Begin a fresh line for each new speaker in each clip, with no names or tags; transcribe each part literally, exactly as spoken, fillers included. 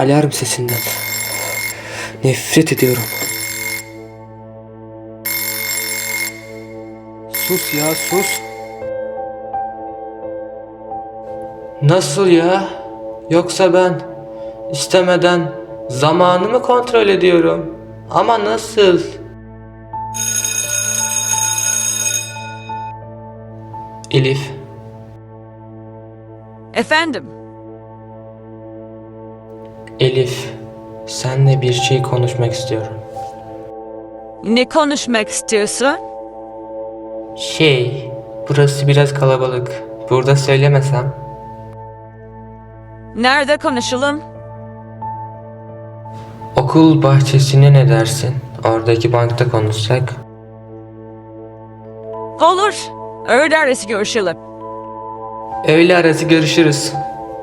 alarm sesinden nefret ediyorum. Sus ya, sus. Nasıl ya? Yoksa ben istemeden zamanı mı kontrol ediyorum? Ama nasıl? Elif,
Efendim,
Elif, seninle bir şey konuşmak istiyorum.
ne konuşmak istiyorsun?
Şey, burası biraz kalabalık. Burada söylemesem.
Nerede konuşalım?
Okul bahçesine ne dersin? Oradaki bankta konuşsak.
Olur, öğle arası görüşelim.
Öğle arası görüşürüz.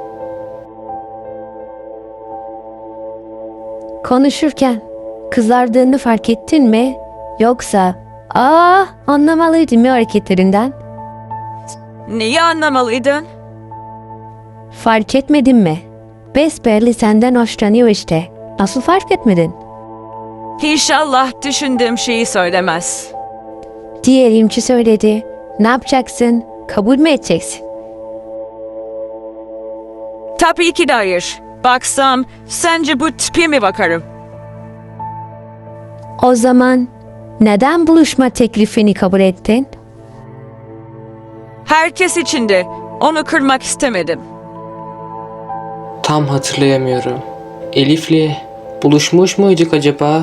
Konuşurken kızardığını fark ettin mi? Yoksa aa anlamalıydım ya hareketlerinden.
Neyi anlamalıydın?
Fark etmedin mi? Besbelli senden hoşlanıyor işte. Nasıl fark etmedin?
İnşallah düşündüğüm şeyi söylemez.
Diyelim ki söyledi. Ne yapacaksın? Kabul mü edeceksin?
Tabii ki de hayır. Baksam, sence bu tipe mi bakarım?
O zaman neden buluşma teklifini kabul ettin?
Herkes içinde. Onu kırmak istemedim.
Tam hatırlayamıyorum. Elif'le buluşmuş muyduk acaba?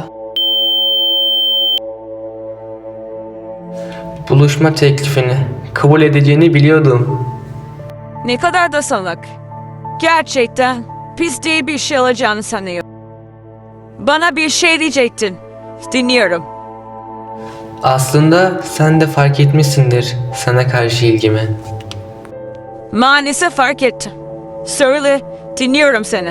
Buluşma teklifini kabul edeceğini biliyordum.
Ne kadar da salak. Gerçekten pis diye bir şey alacağını sanıyor. Bana bir şey diyecektin. Dinliyorum.
Aslında sen de fark etmişsindir sana karşı ilgimi.
Maalesef fark ettim. Söyle, dinliyorum seni.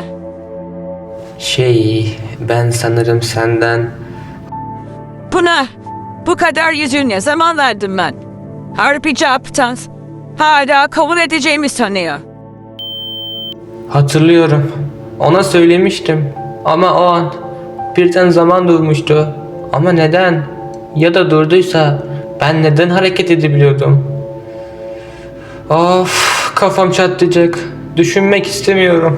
Şey, ben sanırım senden...
Buna, bu kadar yüzüğü ne zaman verdim ben? Harpici aptal. Hala kabul edeceğimi sanıyor.
Hatırlıyorum. Ona söylemiştim. Ama o an birden zaman durmuştu. Ama neden? Ya da durduysa ben neden hareket edebiliyordum? Of, kafam çatlayacak. Düşünmek istemiyorum.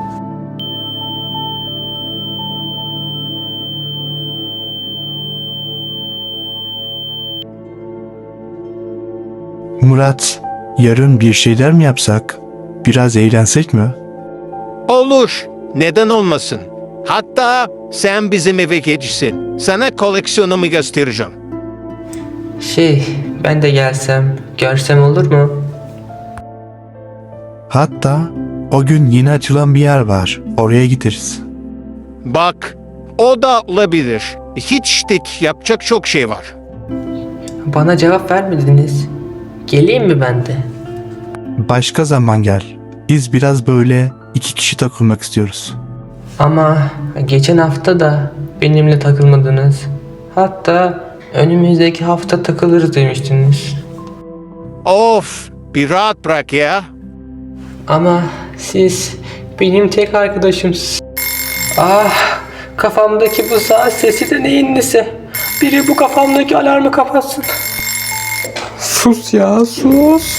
Murat, yarın bir şeyler mi yapsak? Biraz eğlensek mi?
Olur. Neden olmasın? Hatta sen bizim eve geçsin. Sana koleksiyonumu göstereceğim.
Şey, ben de gelsem, görsem olur mu?
Hatta o gün yeni açılan bir yer var. Oraya gideriz.
Bak, o da olabilir. Hiç dik yapacak çok şey var.
Bana cevap vermediniz. Geleyim mi ben de?
Başka zaman gel. Biz biraz böyle iki kişi takılmak istiyoruz.
Ama geçen hafta da benimle takılmadınız. Hatta önümüzdeki hafta takılırız demiştiniz.
Of, bir rahat bırak ya.
Ama siz benim tek arkadaşımsınız. Ah, kafamdaki bu saat sesi de neyin nesi? Biri bu kafamdaki alarmı kapatsın. Sus ya, sus.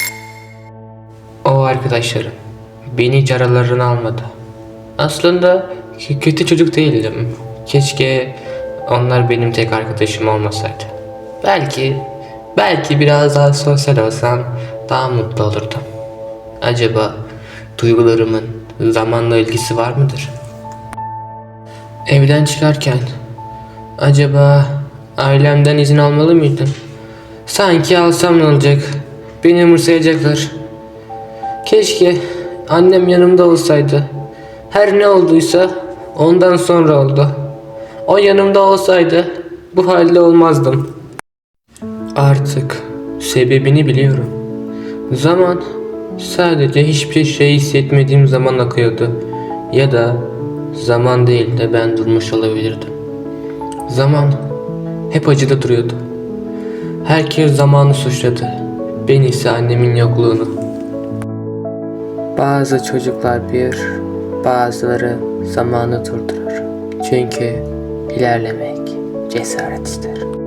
O arkadaşlarım beni hiç aralarına almadı. Aslında k- kötü çocuk değildim. Keşke onlar benim tek arkadaşım olmasaydı. Belki, belki biraz daha sosyal olsam daha mutlu olurdum. Acaba duygularımın zamanla ilgisi var mıdır? Evden çıkarken acaba ailemden izin almalı mıydım? Sanki alsam ne olacak? Beni umursayacaklar. Keşke annem yanımda olsaydı. Her ne olduysa ondan sonra oldu. O yanımda olsaydı bu halde olmazdım. Artık sebebini biliyorum. Zaman sadece hiçbir şey hissetmediğim zaman akıyordu. Ya da zaman değil de ben durmuş olabilirdim. Zaman hep acıda duruyordu. Herkes zamanı suçladı. Ben ise annemin yokluğunu. Bazı çocuklar bir, bazıları zamanı durdurur. Çünkü ilerlemek cesaret ister.